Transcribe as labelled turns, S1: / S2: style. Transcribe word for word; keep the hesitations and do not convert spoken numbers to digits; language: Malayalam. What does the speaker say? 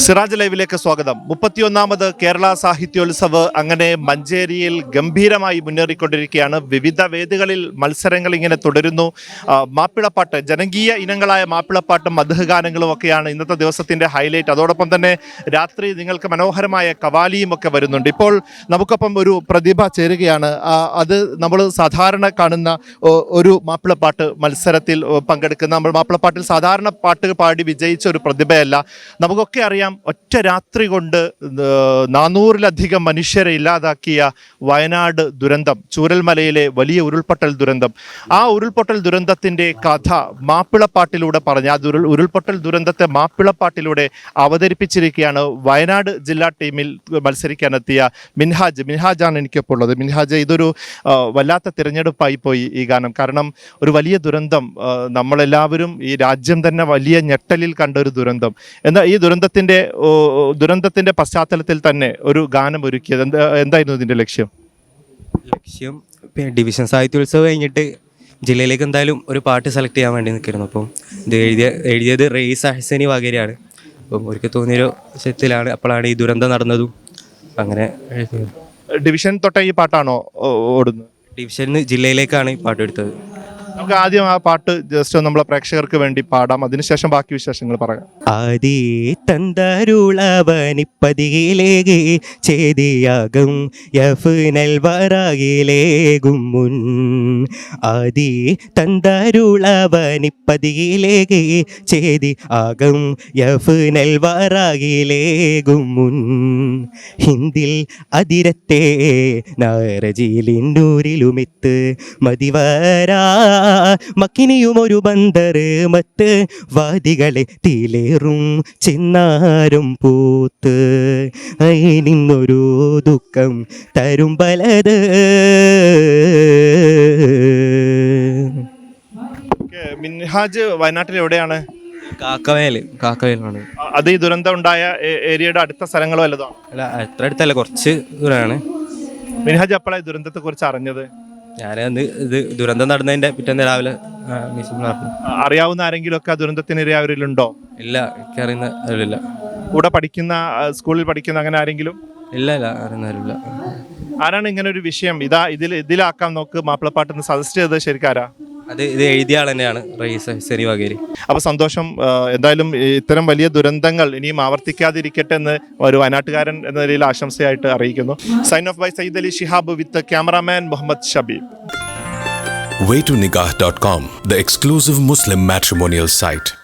S1: സിറാജ് ലൈവിലേക്ക് സ്വാഗതം. മുപ്പത്തിയൊന്നാമത് കേരള സാഹിത്യോത്സവ് അങ്ങനെ മഞ്ചേരിയിൽ ഗംഭീരമായി മുന്നേറിക്കൊണ്ടിരിക്കുകയാണ്. വിവിധ വേദികളിൽ മത്സരങ്ങൾ ഇങ്ങനെ തുടരുന്നു. മാപ്പിളപ്പാട്ട്, ജനകീയ ഇനങ്ങളായ മാപ്പിളപ്പാട്ടും മദ്ഹ് ഗാനങ്ങളും ഒക്കെയാണ് ഇന്നത്തെ ദിവസത്തിൻ്റെ ഹൈലൈറ്റ്. അതോടൊപ്പം തന്നെ രാത്രി നിങ്ങൾക്ക് മനോഹരമായ കവാലിയും ഒക്കെ വരുന്നുണ്ട്. ഇപ്പോൾ നമുക്കൊപ്പം ഒരു പ്രതിഭ ചേരുകയാണ്. അത് നമ്മൾ സാധാരണ കാണുന്ന ഒരു മാപ്പിളപ്പാട്ട് മത്സരത്തിൽ പങ്കെടുക്കുന്ന, നമ്മൾ മാപ്പിളപ്പാട്ടിൽ സാധാരണ പാട്ട് പാടി വിജയിച്ച ഒരു പ്രതിഭയല്ല. നമുക്കൊക്കെ അറിയാം, ഒറ്റ രാത്രി കൊണ്ട് നാനൂറിലധികം മനുഷ്യരെ ഇല്ലാതാക്കിയ വയനാട് ദുരന്തം, ചൂരൽമലയിലെ വലിയ ഉരുൾപൊട്ടൽ ദുരന്തം. ആ ഉരുൾപൊട്ടൽ ദുരന്തത്തിൻ്റെ കഥ മാപ്പിളപ്പാട്ടിലൂടെ പറഞ്ഞ് ആ ദുരുൾ ഉരുൾപൊട്ടൽ ദുരന്തത്തെ മാപ്പിളപ്പാട്ടിലൂടെ അവതരിപ്പിച്ചിരിക്കുകയാണ് വയനാട് ജില്ലാ ടീമിൽ മത്സരിക്കാനെത്തിയ മിൻഹാജ്. മിൻഹാജാണ് എനിക്കൊപ്പം ഉള്ളത്. മിൻഹാജ്, ഇതൊരു വല്ലാത്ത തിരഞ്ഞെടുപ്പായി പോയി ഈ ഗാനം. കാരണം ഒരു വലിയ ദുരന്തം, നമ്മളെല്ലാവരും ഈ രാജ്യം തന്നെ വലിയ ഞെട്ടലിൽ കണ്ട ഒരു ദുരന്തം. എന്നാൽ ഈ ദുരന്തത്തിൻ്റെ ദുരന്തത്തിൻ്റെ പശ്ചാത്തലത്തിൽ തന്നെ ഒരു ഗാനം ഒരുക്കിയത് എന്താ എന്തായിരുന്നു ഇതിൻ്റെ ലക്ഷ്യം?
S2: ലക്ഷ്യം ഡിവിഷൻ സാഹിത്യോത്സവം കഴിഞ്ഞിട്ട് ജില്ലയിലേക്ക് എന്തായാലും ഒരു പാട്ട് സെലക്ട് ചെയ്യാൻ വേണ്ടി നിൽക്കുന്നു. അപ്പം ഇത് എഴുതിയ എഴുതിയത് റയീസ് അഹ്സനി വഗേരയാണ്. അപ്പം ഒരിക്കൽ തോന്നിയൊരു വിഷയത്തിലാണ് അപ്പോഴാണ് ഈ ദുരന്തം നടന്നതും. അങ്ങനെ
S1: ഡിവിഷൻ തൊട്ട ഈ പാട്ടാണോ ഓടുന്നത്?
S2: ഡിവിഷനിൽ നിന്ന് ജില്ലയിലേക്കാണ് ഈ പാട്ട് എടുത്തത്.
S1: നമുക്ക് ആദ്യം ആ പാട്ട് ജസ്റ്റ് നമ്മളെ പ്രേക്ഷകർക്ക് വേണ്ടി പാടാം, അതിനുശേഷം ബാക്കി വിശേഷങ്ങൾ പറയാം.
S2: ആദി തന്തരുളവനിപ്പതിയിലേകെ ചേതിയാകും യഫ്നൽ വറായിലേകും മുൻ. ആദി തന്തരുളവനിപ്പതിയിലേകെ ചേതി ആകും യഫ്നൽ വറായിലേകും മുൻ. ഹിന്ദിൽ അതിരത്തെ നാരജീലിന്നൂരിലുമിത്ത് മതിവരാ മക്കിനിയും ഒരു ബന്ദറ് മത്ത് വാദികളെ തീലേറും ചിന്നാരും പൂത്ത് നിന്നൊരു ദുഃഖം തരും പലത്.
S1: മിൻഹാജ് വയനാട്ടിൽ എവിടെയാണ്?
S2: കാക്കവേൽ. കാക്കവേലാണ്.
S1: അത് ഈ ദുരന്തം ഉണ്ടായ ഏരിയയുടെ അടുത്ത സ്ഥലങ്ങളോ വല്ലതാണ്?
S2: അല്ല, അത്ര അടുത്തല്ല, കുറച്ച് ദൂരമാണ്.
S1: മിൻഹാജ് എപ്പോഴാണ് ദുരന്തത്തെ കുറിച്ച് അറിഞ്ഞത്?
S2: ഞാനന്ന് ഇത് ദുരന്തം നടന്നതിൻ്റെ പിറ്റേന്ന് രാവിലെ
S1: അറിയാവുന്ന ആരെങ്കിലും ഒക്കെ ദുരന്തത്തിനിരയാവരിലുണ്ടോ?
S2: ഇല്ല, എനിക്കറിയുന്ന അറിയില്ല.
S1: കൂടെ പഠിക്കുന്ന, സ്കൂളിൽ പഠിക്കുന്ന അങ്ങനെ ആരെങ്കിലും?
S2: ഇല്ല ഇല്ല അറിയുന്ന ആരുമില്ല.
S1: ആരാണ് ഇങ്ങനെ ഒരു വിഷയം ഇതാ ഇതിൽ ഇതിലാക്കാൻ നോക്ക് മാപ്പിളപ്പാട്ടെന്ന് സജസ്റ്റ് ചെയ്തത് ശരിക്കാരാ?
S2: അത് ഇത് എഴുതിയ ആൾ തന്നെയാണ്, റയീസ് അഹ്സനി വഗേരി.
S1: അപ്പോൾ സന്തോഷം. എന്തായാലും ഇത്തരം വലിയ ദുരന്തങ്ങൾ ഇനിയും ആവർത്തിക്കാതിരിക്കട്ടെ എന്ന് ഒരു വയനാട്ടുകാരൻ എന്ന നിലയിൽ ആശംസയായിട്ട് അറിയിക്കുന്നു. Sign off by Sayyid Ali Shihab with cameraman Muhammad Shabeeb.
S3: way to nikah dot com, the exclusive Muslim matrimonial site.